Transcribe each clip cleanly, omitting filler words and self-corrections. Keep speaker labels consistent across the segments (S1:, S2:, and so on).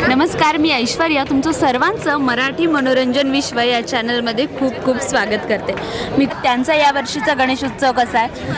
S1: नमस्कार, मी ऐश्वर्या तुमचं सर्वांचं मराठी मनोरंजन विश्व या चॅनलमध्ये खूप खूप स्वागत करते. मी त्यांचा या वर्षीचा गणेशोत्सव कसा आहे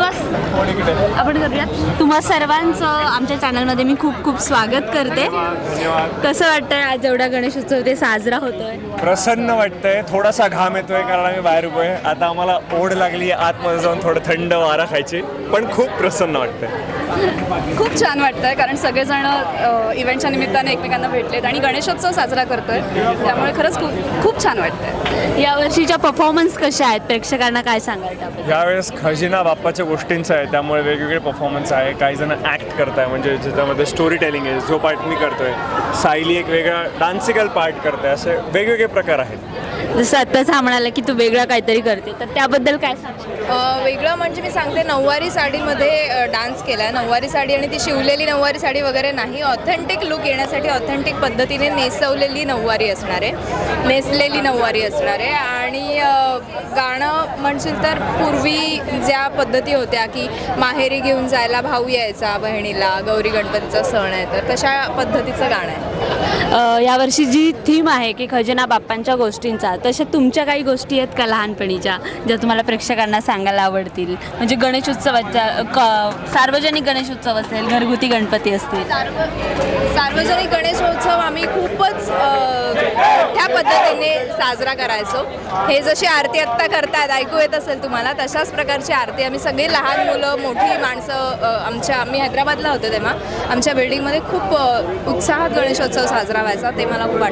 S1: आपण करूयात. तुम्हा सर्वांचं आमच्या चॅनलमध्ये मी खूप खूप स्वागत करते. कसं वाटतंय आज एवढा गणेशोत्सव ते साजरा होतोय?
S2: प्रसन्न वाटतंय, थोडासा घाम येतोय कारण आम्ही बाहेर उभे आहे. आता आम्हाला ओढ लागली आतमध्ये जाऊन थोडं थंड वारा खायची, पण खूप प्रसन्न वाटतंय.
S3: खूप छान वाटतंय कारण सगळेजण इव्हेंटच्या निमित्ताने एकमेकांना भेटलेत आणि गणेशोत्सव साजरा करतोय, त्यामुळे खरंच खूप खूप छान वाटतंय.
S1: या वर्षीच्या परफॉर्मन्स कशा आहेत, प्रेक्षकांना काय सांगायचं आपण?
S2: यावेळेस खजिना बाप्पाच्या गोष्टींचं आहे, त्यामुळे वेगवेगळे परफॉर्मन्स आहे. काही जण ॲक्ट करताय, म्हणजे ज्याच्यामध्ये स्टोरी टेलिंग आहे, जो पार्ट मी करतोय. सायली एक वेगळा डान्सिकल पार्ट करते, असे वेगवेगळे प्रकार आहेत.
S1: जसं आत्ताच हा म्हणाला की तू वेगळा काहीतरी करते, तर त्याबद्दल काय सांगशील?
S3: वेगळं म्हणजे मी सांगते, नऊवारी साडीमध्ये डान्स केला आहे. नऊवारी साडी आणि ती शिवलेली नऊवारी साडी वगैरे नाही, ऑथेंटिक लुक येण्यासाठी ऑथेंटिक पद्धतीने नेसवलेली नऊवारी असणार आहे, नेसलेली नऊवारी असणार आहे. आणि गाणं म्हणशील तर पूर्वी ज्या पद्धती होत्या की माहेरी घेऊन जायला भाऊ यायचा बहिणीला, गौरी गणपतीचा सण आहे, तर तशा पद्धतीचं गाणं आहे.
S1: यावर्षी जी थीम आहे की खजिना बाप्पांच्या गोष्टींचा, तशा तुमच्या काही गोष्टी आहेत का लहानपणीच्या ज्या तुम्हाला प्रेक्षकांना सांगायला आवडतील? म्हणजे गणेशोत्सवाच्या सार्वजनिक गणेशोत्सव असेल, घरगुती गणपती असतील.
S3: सार्वजनिक गणेशोत्सव आम्ही खूपच मोठ्या पद्धतीने साजरा करायचो. हे जशी आरती आत्ता करतात, ऐकू येत असेल तुम्हाला, तशाच प्रकारची आरती आम्ही सगळी लहान मुलं, मोठी माणसं, आम्ही हैदराबादला होतो तेव्हा आमच्या बिल्डिंगमध्ये खूप उत्साहात गणेशोत्सव साजरा व्हायचा, ते मला खूप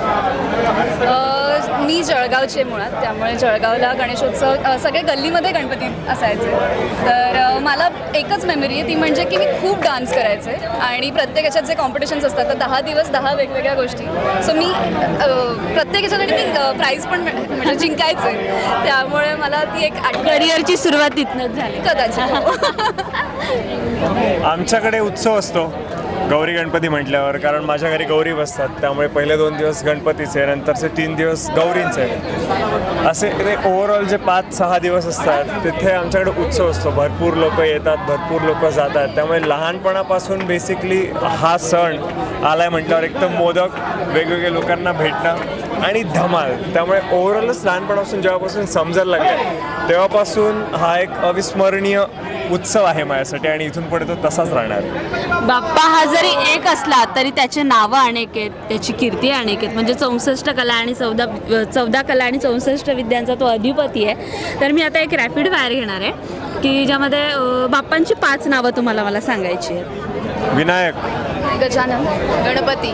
S3: आठवतं. मी जळगावचे मुळात, त्यामुळे जळगावला गणेशोत्सव सगळे गल्लीमध्ये गणपती असायचे. तर मला एकच मेमरी आहे, ती म्हणजे की मी खूप डान्स करायचे आणि प्रत्येक याच्यात जे कॉम्पिटिशन्स असतात तर 10 दिवस 10 वेगवेगळ्या गोष्टी. सो मी प्रत्येक याच्यासाठी मी प्राईज पण म्हणजे जिंकायचे, त्यामुळे मला ती एक
S1: करिअरची सुरुवात तिथनंच झाली
S3: कदाचित.
S2: आमच्याकडे उत्सव असतो गौरी गणपती म्हटल्यावर, कारण माझ्या घरी गौरी बसतात, त्यामुळे पहिले 2 दिवस गणपतीचे, नंतरचे 3 दिवस गौरींचे. असे ते ओव्हरऑल जे 5-6 दिवस असतात तिथे आमच्याकडे उत्सव असतो. भरपूर लोक येतात, भरपूर लोक जातात, त्यामुळे लहानपणापासून बेसिकली हा सण आलाय म्हटल्यावर एकदम मोदक, वेगवेगळ्या लोकांना भेटणं आणि धमाल. त्यामुळे ओव्हरऑलच लहानपणापासून जेव्हापासून समजायला लागलं तेव्हापासून हा एक अविस्मरणीय उत्सव आहे माझ्यासाठी आणि इथून पुढे तो तसाच राहणार.
S1: बाप्पा हा जरी एक असला तरी त्याचे नावं अनेक आहेत, त्याची कीर्ती अनेक आहेत. म्हणजे 64 कला आणि 14 कला आणि 64 विद्यांचा तो अधिपती आहे. तर मी आता एक रॅपिड फायर घेणार आहे की ज्यामध्ये बाप्पांची 5 नावं तुम्हाला मला सांगायची आहेत.
S2: विनायक,
S3: गजानन, गणपती,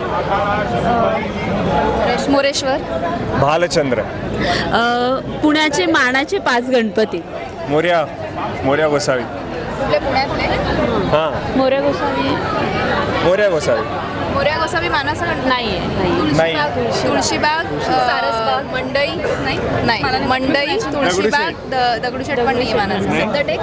S3: मोरेश्वर,
S2: भालचंद्र,
S1: पुण्याचे मानाचे 5 गणपती.
S2: मोर्या गोसावी.
S3: कुठले पुण्यातले?
S2: हां,
S1: मोरया गोसावी.
S2: मोर्या गोसावी.
S3: मोरया गोसावी मानाचा गणपती
S1: नाही
S2: नाही.
S3: तुळशीबाग, सारसबाग, मंडई नाही, मंडई, तुळशीबाग, दगडूशेठ पण नाही मानाचा. सिद्धटेक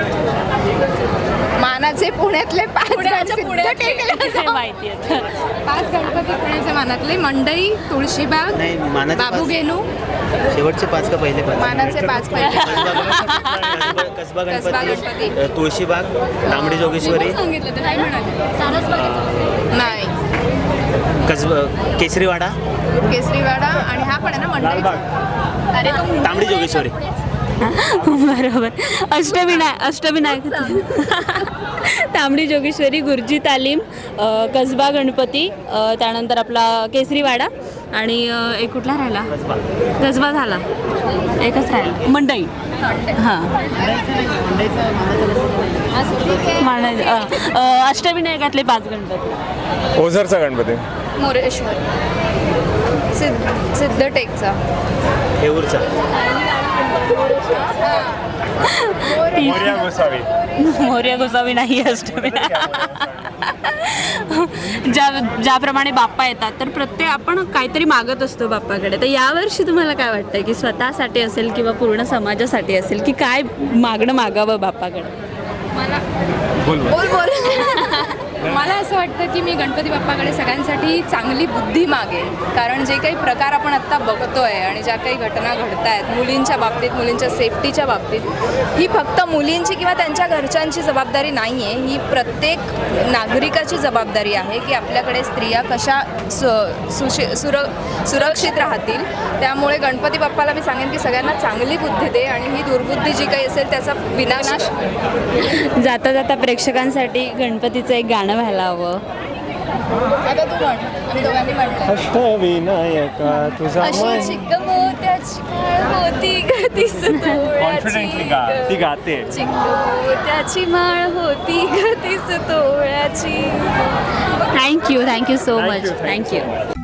S3: मानाचे पुण्यातले 5
S1: माहिती आहे.
S3: 5 गणपती पुण्याचे मानातले: मंडई, तुळशीबाग, बाबूगेनू.
S4: शेवटचे 5 का पहिले 5?
S3: मानाचे 5 पहिले.
S4: कसबा गणपती, तुळशीबाग, तांबडी जोगेश्वरी,
S3: सांगितलं ते नाही म्हणाले. नाही,
S4: केसरीवाडा,
S3: केसरीवाडा आणि हा पण आहे ना मंडई. अरे तो
S4: तांबडी जोगेश्वरी.
S1: बरोबर. अष्टविनायक तांबडी जोगेश्वरी, गुरुजी तालीम, कसबा गणपती, त्यानंतर आपला केसरीवाडा आणि एक कुठला राहिला? कसबा झाला, एकच राहिला मंडई. हां, अष्टविनायकातले 5 गणपती.
S2: ओझरचा गणपती,
S3: मोरेश्वर, सिद्धटेकचा,
S4: हेऊरचा,
S2: मोर्या गोसावी.
S1: मोरया गोसावी नाही, ज्याप्रमाणे बाप्पा येतात तर प्रत्येक आपण काहीतरी मागत असतो बाप्पाकडे. तर यावर्षी तुम्हाला काय वाटतंय की स्वतःसाठी असेल किंवा पूर्ण समाजासाठी असेल की काय मागणं मागावं बाप्पाकडे?
S3: मला
S2: बोल.
S3: मला असं वाटतं की मी गणपती बाप्पाकडे सगळ्यांसाठी चांगली बुद्धी मागेन, कारण जे काही प्रकार आपण आत्ता बघतोय आणि ज्या काही घटना घडत आहेत मुलींच्या बाबतीत, मुलींच्या सेफ्टीच्या बाबतीत, ही फक्त मुलींची किंवा त्यांच्या घरच्यांची जबाबदारी नाही आहे, ही प्रत्येक नागरिकाची जबाबदारी आहे की आपल्याकडे स्त्रिया कशा सुरक्षित राहतील. त्यामुळे गणपती बाप्पाला मी सांगेन की सगळ्यांना चांगली बुद्धी दे आणि ही दुर्बुद्धी जी काही असेल त्याचा विनाश.
S1: जाता जाता प्रेक्षकांसाठी गणपतीचं एक गाणं व्हायला हवं.
S3: आता तू म्हण, आम्ही दोघांनी म्हटलं.
S2: अष्टविनायका तुझा
S3: अशी चिक्क मोत्याची माळ होती ग तीस
S2: कॉन्फिडेंटली गा, ती गाते.
S3: चिक्क मोत्याची माळ होती ग तीस तोळ्याची.
S1: थँक्यू सो
S2: Thank
S1: मच.
S2: you, thank you.
S1: थँक्यू.